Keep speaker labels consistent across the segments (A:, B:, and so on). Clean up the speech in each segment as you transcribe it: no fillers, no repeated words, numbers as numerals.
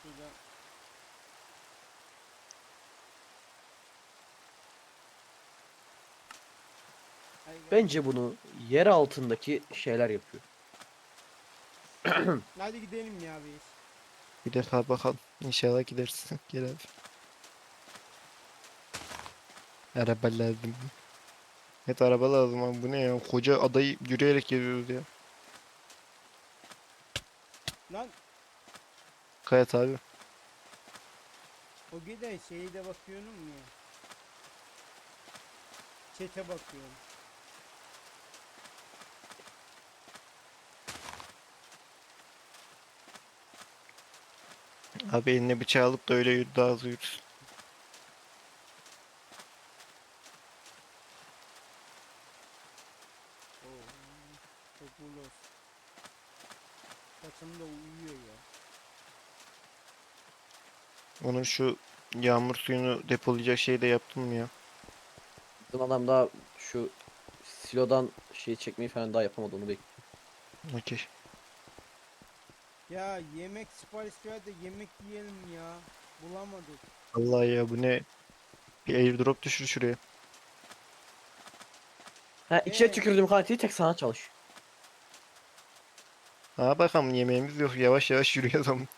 A: Şurada. Ay,
B: Bence bunu yer altındaki şeyler yapıyor.
A: hadi gidelim ya biz.
C: Bir defa bakalım. İnşallah gidersin. Gel abi. Araba lazım. Evet araba lazım abi. Bu ne ya? Koca adayı yürüyerek geliyoruz ya.
A: Lan
C: Kayat abi.
A: o gide şeyi de bakıyorum ya. Çete bakıyorum.
C: Abi eline bıçağı alıp da öyle yürü, daha hızlı yürürsün.
A: Oo, çok ulos. Saçım da uyuyor ya.
C: Onun şu yağmur suyunu depolayacak şeyi de yaptım mı ya?
B: Bizim adam daha şu silodan şey çekmeyi falan daha yapamadı, onu bekliyor.
C: Okey.
A: Ya yemek sipariş ver de yemek yiyelim ya. Bulamadık.
C: Vallahi ya bu ne? Bir airdrop düşür şuraya.
B: Ha, içine tükürdüğüm kantiyi tek sana çalış.
C: Ha bakalım yemeğimiz yok. Yavaş yavaş yürüyoruz ama.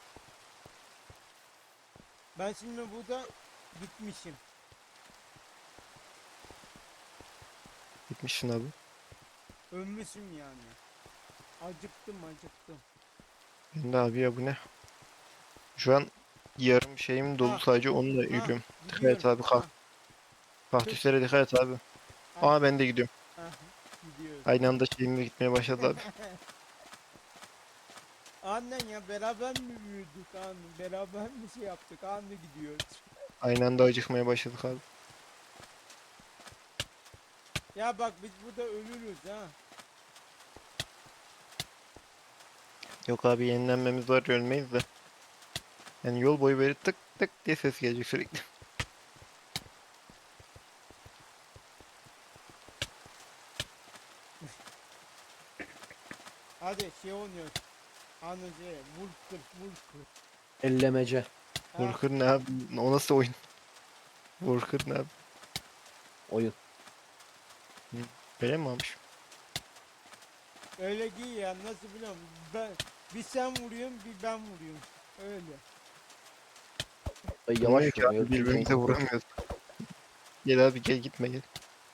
A: Ben şimdi burada gitmişim.
C: Gitmişsin abi.
A: Ölmüşüm yani. Acıktım acıktım.
C: Ben de abi ya bu ne? Şu an yarım şeyim dolu
A: Ha
C: sadece onunla
A: ha
C: yürüyorum. Dikkat et
A: gidiyorum.
C: abi
A: Ha
C: kaktüslere dikkat et abi.
A: ha
C: Aa ben de gidiyorum.
A: ha gidiyoruz.
C: Aynı anda şeyimle gitmeye başladı abi.
A: Annen ya beraber mi büyüdük anne? Beraber mi şey yaptık? Anne gidiyoruz.
C: Aynı anda acıkmaya başladık abi.
A: Ya bak biz burada ölürüz ha.
C: Yok abi yenilenmemiz var ölmeyiz de. Yani yol boyu böyle tık tık diye ses gelecek sürekli.
A: Hadi şey oynuyoruz. Anne şey vur kır vur kır.
B: Ellemece.
A: Ha,
C: Vurkır ne abi? O nasıl oyun? Vurkır ne abi?
B: Oyun.
C: Böyle mi almış?
A: öyle giy ya nasıl biliyorum. Bir sen vuruyorsun bir ben vuruyorum. Öyle.
B: Ay,
C: Olmuyor
B: yavaş
C: ki
B: vurun.
C: abi
B: Öldürürsen
C: birbirimize
B: kapat.
C: vuramıyoruz. Gel abi gel gitme gel.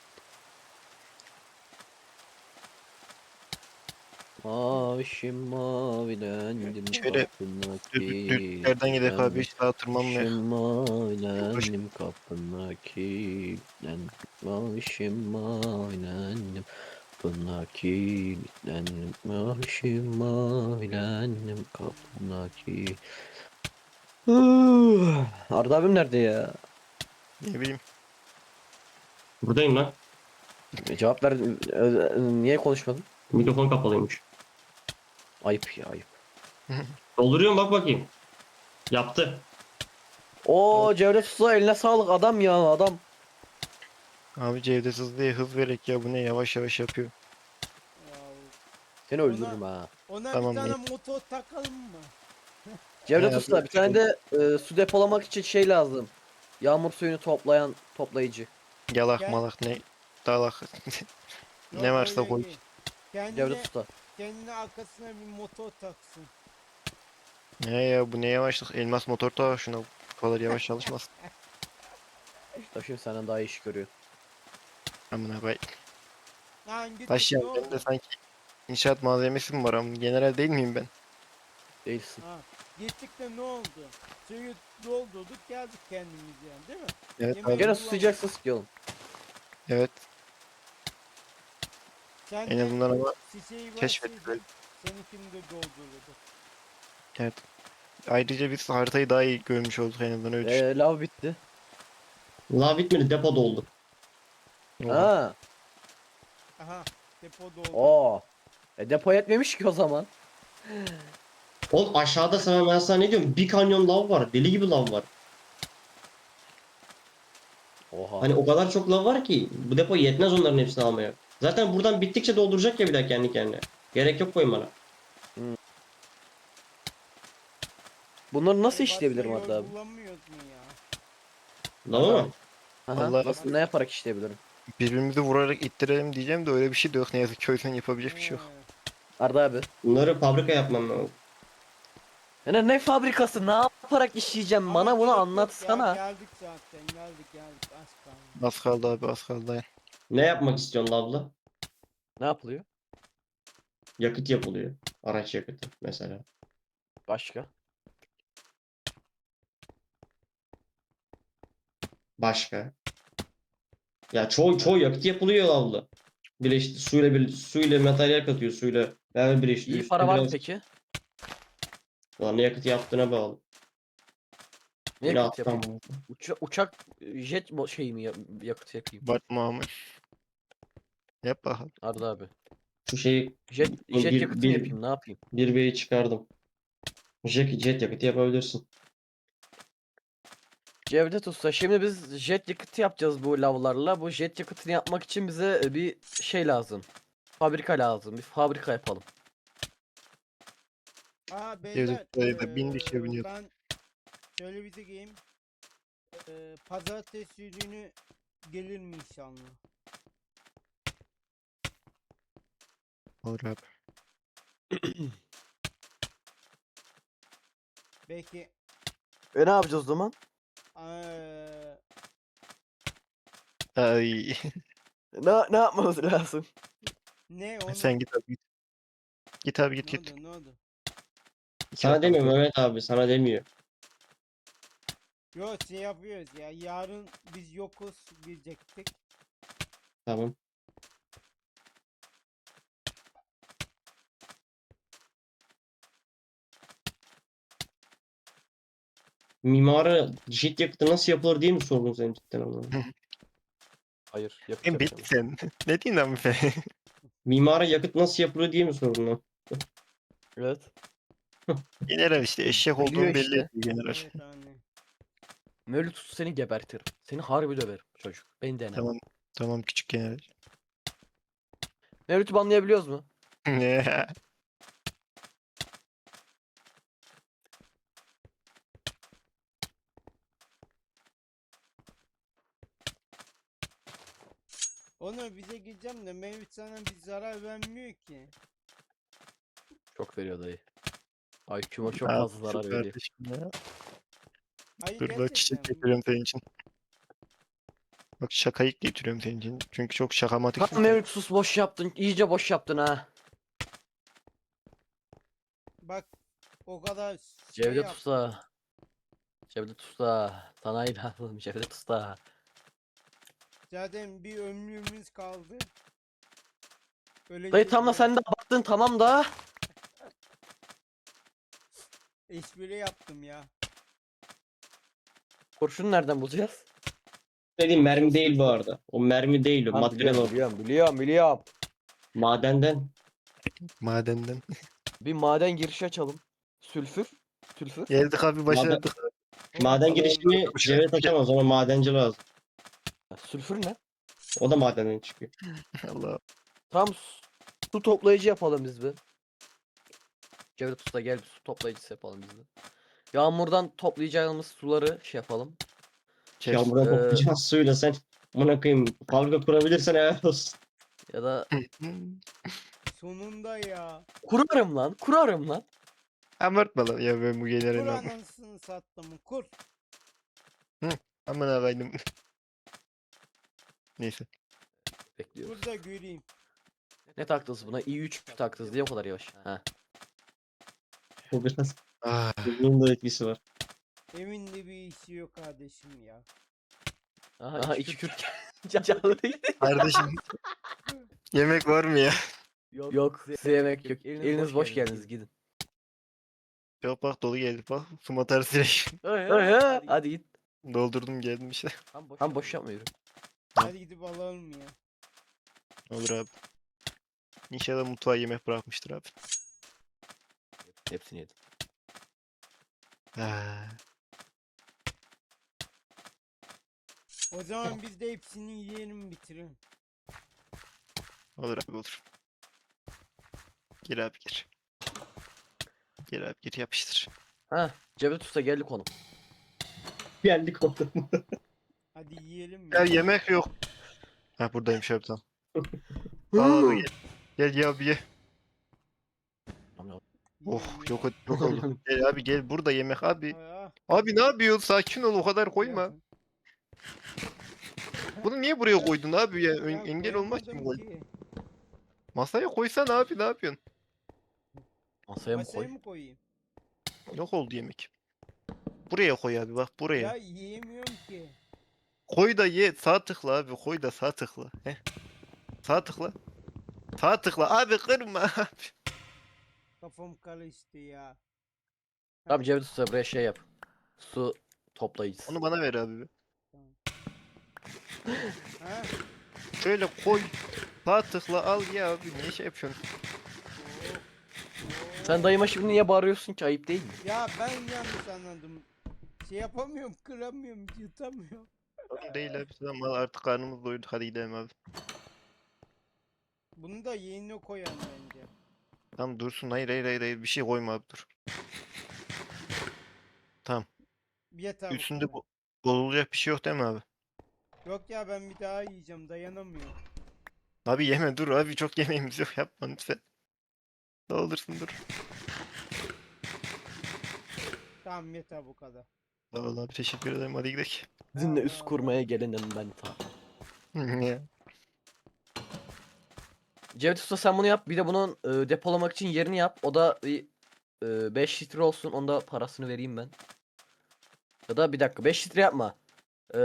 B: Mavişim mavilendim
C: Şöyle
B: kapına
C: düzlüklerden gidelim abi
B: kilitlendim.
C: hiç daha tırmanmaya.
B: Mavişim
C: Uğraş.
B: mavilendim kapına kilitlendim. Mavişim mavilendim kapına kilitlendim. Mavişim mavilendim kapına kilitlendim. Arda abim nerede ya?
C: Ne bileyim.
D: Buradayım lan.
B: Cevap ver. Niye konuşmadın?
D: Mikrofon kapalıymış.
B: Ayıp ya, ayıp.
D: Dolduruyorum bak bakayım. Yaptı.
B: Oo, Cevdet Usta, eline sağlık adam ya, adam.
C: Abi Cevdet hızlı diye hız vererek ya bu ne yavaş yavaş yapıyor.
A: Ya,
B: Seni
A: Ona-
B: öldürürüm ha.
A: ona bir
C: Tamam
A: tane
C: ne?
A: motor takalım mı?
B: Cevdet
C: He,
B: Usta, bir tane de su depolamak için şey lazım. Yağmur suyunu toplayan toplayıcı.
C: Yalak
A: Gel.
C: malak ne? Dalak. Ne
A: Yok
C: varsa
A: öyle
C: koy.
A: değil. Kendine,
B: Cevdet Usta.
A: kendine arkasına bir motor taksın.
C: Ne ya bu ne yavaşlık? Elmas motor da var şuna. Bu kadar yavaş çalışmaz.
B: Taşım senden daha iyi iş görüyor.
C: Amına koy.
A: Lan gittik
C: Taş
A: ne
C: ya
A: oldu?
C: bende sanki inşaat malzemesi mi var ama general değil miyim ben?
B: Değilsin.
A: Ha, gittik de ne oldu? Suyu doldurduk geldik kendimiz yani değil mi?
C: Evet
A: Yemeği
C: abi.
B: Gene
A: kullanmadık.
B: susayacaksın, sıkıyorum.
C: Evet.
A: Sen
C: En
A: de
C: azından ama
A: şişeyi
C: keşfettik.
A: verseydin seninkini de doldururduk.
C: Evet. Ayrıca biz haritayı daha iyi görmüş olduk en azından öyle düşün.
B: Lav bitti.
D: La bitmedi depo doldu.
C: Oha.
B: Ha.
A: Aha depo doldu.
B: Oo. Depo yetmemiş ki o zaman.
D: Oğlum aşağıda ben sana ne diyorum? Bir kanyon lav var. Deli gibi lav var.
B: Oha.
D: Hani o kadar çok lav var ki bu depo yetmez onların hepsini almaya. Zaten buradan bittikçe dolduracak ya bir daha kendi kendine. Gerek yok koymana.
B: Bunları nasıl
A: Başka
B: işleyebilirim
A: yol
B: Arda abi?
A: bulamıyoruz mu ya?
D: Lava mı?
B: Aha,
C: Vallahi-
B: nasıl ne yaparak işleyebilirim?
C: Birbirimizi vurarak ittirelim diyeceğim de öyle bir şey de yok ne yazık ki, o yüzden yapabilecek bir şey yok.
B: Arda abi.
D: Bunları fabrika yapmam lazım.
B: Ne fabrikası? Ne yaparak işleyeceğim?
A: Ama
B: Bana bunu
A: gerek yok ya,
B: anlatsana.
A: geldik zaten, geldik az kaldı.
C: Az kaldı abi, az kaldı, dayan.
D: Ne yapmak istiyorsun lavla?
B: Ne yapılıyor?
D: Yakıt yapılıyor. Araç yakıtı mesela.
B: Başka?
D: Başka. Ya çoğu yakıt yapılıyor lavla. Suyla materyal katıyor, suyla beraber
B: İyi
D: birleştiriyor.
B: para
D: Üstüne
B: var mı
D: biraz
B: peki?
D: Ulan ne yakıt yaptığına bağlı.
B: Ne
D: Yine
B: yakıt
D: alttan
B: yapayım? Uçak jet şey mi yakıt yakayım?
C: Bakma ama. Yap bakalım.
B: Arda abi.
D: şu şeyi
B: Jet yakıtı mı yapayım? Ne yapayım?
D: bir B'yi çıkardım. Jet yakıtı yapabilirsin.
B: Cevdet Usta, şimdi biz jet yakıtı yapacağız bu lavlarla. Bu jet yakıtını yapmak için bize bir şey lazım. Fabrika lazım. Bir fabrika yapalım.
A: Aa beyler,
C: Devlet sayıda bin kişiye biniyor.
A: ben şöyle bir diyeyim. Pazartesi günü gelir mi inşallah?
C: Olur abi.
A: Belki
B: Ne yapacağız o zaman?
A: eee,
C: Ay.
B: Ne yapmamız lazım?
A: ne onu?
C: Sen git abi git. Git abi git
A: Ne
C: git.
A: oldu, ne oldu?
D: Sana demiyor Mehmet abi, sana demiyor.
A: Yok, şey yapıyoruz ya, yarın biz yokuz diyecektik.
D: Tamam. Mimara jet yakıtı nasıl yapılır diye mi sordun sen cidden ama?
B: Hayır, yakıt
C: Sen bit
B: yapacağım.
C: sen. Ne diyorsun lan sen?
D: Mimara yakıt nasıl yapılır diye mi sordun lan?
B: Evet.
C: General işte eşek
B: Biliyor
C: olduğunu belli
B: işte.
C: ediyor general.
A: Evet anne.
B: Mevlüt Usta seni gebertirim. Seni harbi döverim çocuk. Beni deneme.
C: Tamam. Tamam küçük general.
B: Mevlüt'ü banlayabiliyoruz mu?
C: Ne?
A: Onu bize gideceğim de Mevlüt sana bir zarar vermiyor ki.
B: Çok veriyor dayı. IQ'ma çok
C: Ne
B: fazla
C: yapıyorsun
B: zarar veriyor.
C: kardeşim ya?
A: Hayır,
C: Dur la, çiçek
A: gerçekten.
C: getiriyorum senin için. Bak şakayık getiriyorum senin için. Çünkü çok şakamatiksin
B: Tam
C: sen.
B: Mevlüt sus, boş yaptın. İyice boş yaptın ha.
A: Bak, o kadar şey
B: Cevdet
A: yaptım.
B: Usta. Cevdet Usta. Sana inandım Cevdet Usta.
A: Zaten bir ömrümüz kaldı.
B: Dayı tam da sen de baktın tamam da.
A: espri yaptım ya.
B: Kurşunu nereden bulacağız?
D: Dediğim mermi değil bu arada. O mermi değil o.
B: Tamam,
D: Materyal o.
B: biliyorum.
D: Madenden.
C: Madenden.
B: Bir maden girişi açalım. Sülfür. Sülfür.
C: Geldik abi, başladık.
D: Maden
A: Oğlum,
D: girişimi Cevdet açamaz, ona madenci lazım.
B: Sülfür ne?
D: O da madenden çıkıyor.
C: Allah.
B: Tam su toplayıcı yapalım biz bir. Cevdet Usta gel, bir su toplayıcısı yapalım biz bir. Yağmurdan toplayacağımız suları şey yapalım.
C: Kes.
D: Yağmurdan toplayacağız suyla sen. Amına koyayım, fabrika kurabilirsen helal olsun.
B: Ya da
A: sonunda ya.
B: kurarım lan.
C: Abartma lan ya, ben bu
A: Kur
C: generalin ama.
A: anasını sattım, kur.
C: Aman ağayım. Neyse.
B: Bekliyoruz.
A: Kur da göreyim.
B: Ne taktınız buna? i3 taktınız diye o kadar yavaş. Ha.
D: Bu biraz
C: Ah.
D: bunun da etkisi var.
A: Evinde bir işi yok kardeşim ya.
B: Aha iki Kürt canlı.
C: Kardeşim, yemek var mı ya?
B: Yok, size yemek yok. Eliniz boş geldiniz, gidin.
C: Yok bak, dolu geldi bak. Su atarız direkt.
B: Hadi git.
C: Doldurdum geldim işte.
B: Tam boş yapmıyorum.
A: Hadi gidip alalım ya.
C: Olur abi. İnşallah mutfağa yemek bırakmıştır abi.
B: Hepsini yedim.
C: Ah.
A: O zaman biz de hepsini yiyelim, bitirelim.
C: Olur abi, olur. Gir abi gir. Gir abi gir, yapıştır.
B: Ha, Cevdet Usta geldi konu.
D: Geldik orada.
A: Hadi yiyelim mi?
C: Ya yemek yok. Ha buradaymış abi tamam. Al abi gel. Gel ya abi ye. Oh
A: Yiyelim,
C: yok
A: yiyelim.
C: yok oldu. Gel abi gel burada yemek abi.
A: Ah,
C: Abi ne yapıyorsun? Sakin ol o kadar koyma.
A: ya-
C: Bunu niye buraya koydun abi ya?
A: ya
C: Engel olmak için mi
A: koyamadım
C: koydun?
A: ki.
C: Masaya koysan abi ne yapıyorsun?
B: Masaya mı koy?
A: Masaya mı koyayım?
C: Yok oldu yemek. Buraya koy abi bak buraya.
A: Ya yiyemiyorum ki.
C: Koy da ye. Sağ tıkla abi. Koy da sağ tıkla. Heh. Sağ tıkla. Sağ tıkla. Abi kırma abi.
A: Kafam karıştı ya.
B: Abi Cevdet Usta buraya şey yap. Su toplayıcısı.
C: Onu bana ver abi. Bir.
A: Ha?
C: Şöyle koy. Sağ tıkla al ya abi. Niye şey yapıyorsun?
B: Sen dayıma şimdi niye bağırıyorsun ki, ayıp değil mi?
A: Ya ben yanlış anladım. Şey yapamıyorum, kıramıyorum, yutamıyorum.
C: Sorun değil abi. Tamam artık karnımız doydu. Hadi gidelim abi.
A: Bunu da yeğenine koyan bence.
C: Tamam dursun. Hayır hayır hayır. Hayır. Bir şey koyma abi dur. Tamam.
A: Yeter bu
C: Üstünde
A: kadar.
C: bozulacak bir şey yok değil mi abi?
A: Yok ya ben bir daha yiyeceğim, dayanamıyorum.
C: Abi yeme dur abi. Çok yemeğimiz yok. Yapma lütfen. Ne olursun dur.
A: Tamam yeter bu kadar.
C: Sağ ol abi. Teşekkür ederim. Hadi gidelim.
B: Sizinle
A: Allah
B: üst
A: Allah.
B: kurmaya gelenim ben ta.
C: Ya.
B: Cevdet Usta sen bunu yap. Bir de bunun depolamak için yerini yap. O da 5 litre olsun. Onda parasını vereyim ben. Ya da bir dakika 5 litre yapma. E,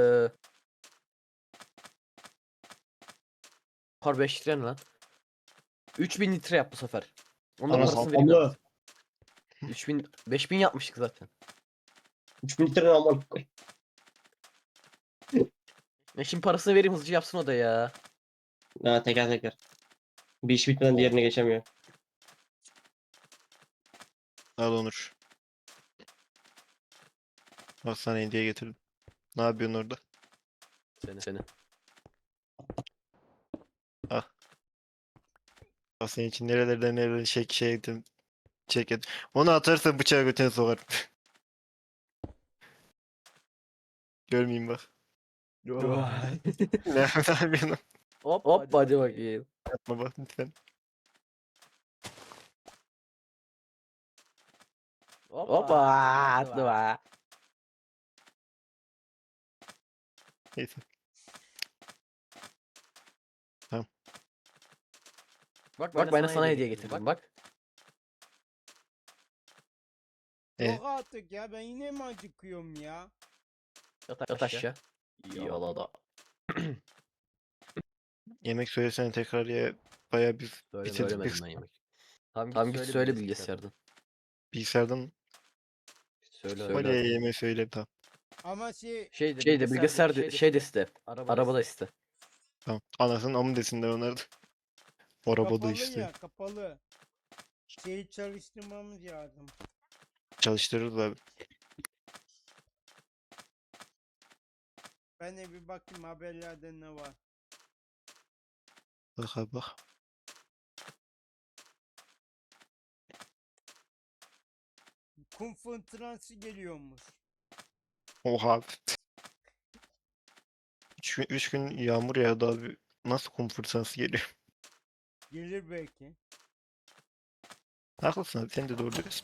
B: Par 5 litre ne lan? 3000 litre yap bu sefer. Onun da
D: Anasını
B: parasını vereyim ben.
D: amına.
B: 3000 5000 yapmıştık zaten.
D: 3000 litre aman koy.
B: Şimdi parasını vereyim, hızlıca yapsın o da ya.
D: Ha, teker teker. Bir iş bitmeden diğerine geçemiyor.
C: Al Onur. Bak sana hediye getirdim. Ne yapıyorsun orada?
B: Seni.
C: Bak senin için nerelerden nerelere şey ettim. Çek et. Onu atarsan bıçağı götüne sokar. Görmeyeyim bak. Ne yapıyorsun?
B: Hop hadi bakayım.
C: Yapma bak lütfen.
B: Hoppa attı be.
C: Neyse.
B: Bak ben de sana hediye getirdim bak.
A: Yok artık ya, ben yine mi acıkıyorum ya?
B: Yat aşağı. Yola da.
C: Yemek söylesene tekrar ya. Bayağı biz bitirdik
B: Söylemedim
C: biz.
B: ben yemek. Tamam git söyle bilgisayardan.
C: Bilgisayardan
B: Söyle.
C: Kolye yemeği söyle tamam.
A: Ama şey
B: Şeyde bilgisayarda şeyde iste. Arabada iste.
C: Tamam. Anasının amı desinler onlar da. Arabada
A: kapalı
C: işte.
A: ya, kapalı. Şeyi çalıştırmamız lazım.
C: Çalıştırırız abi.
A: Ben de bir bakayım haberlerde ne var.
C: Bak abi bak.
A: Kum fırtınası geliyormuş.
C: Oha abi. 3 gün yağmur yağdı abi. Nasıl kum fırtınası geliyor?
A: Gelir belki.
C: Haklısın abi sen de doğru diyorsun.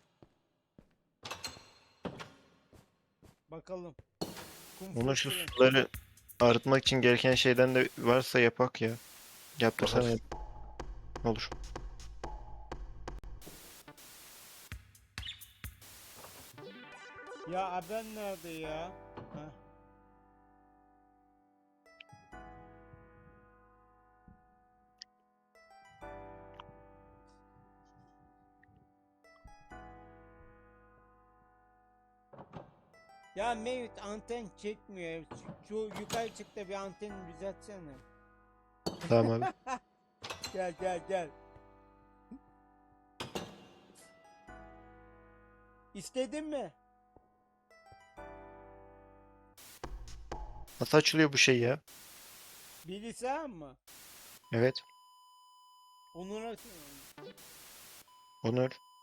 A: Bakalım. Kum
C: Onun şu
A: fırtınası.
C: suları arıtmak için gereken şeyden de varsa yapak ya. Yaptırsana
B: Bakarız.
C: olur.
A: Ya haber nerede ya? Heh. Ya Mevlüt anten çekmiyor. Şu yukarı çık da bir anteni düzeltsene.
C: Tamam abi.
A: Gel gel gel. İstedin mi?
C: Nasıl açılıyor bu şey ya?
A: Bilgisayar mı?
C: Evet.
A: Onur
C: Onur.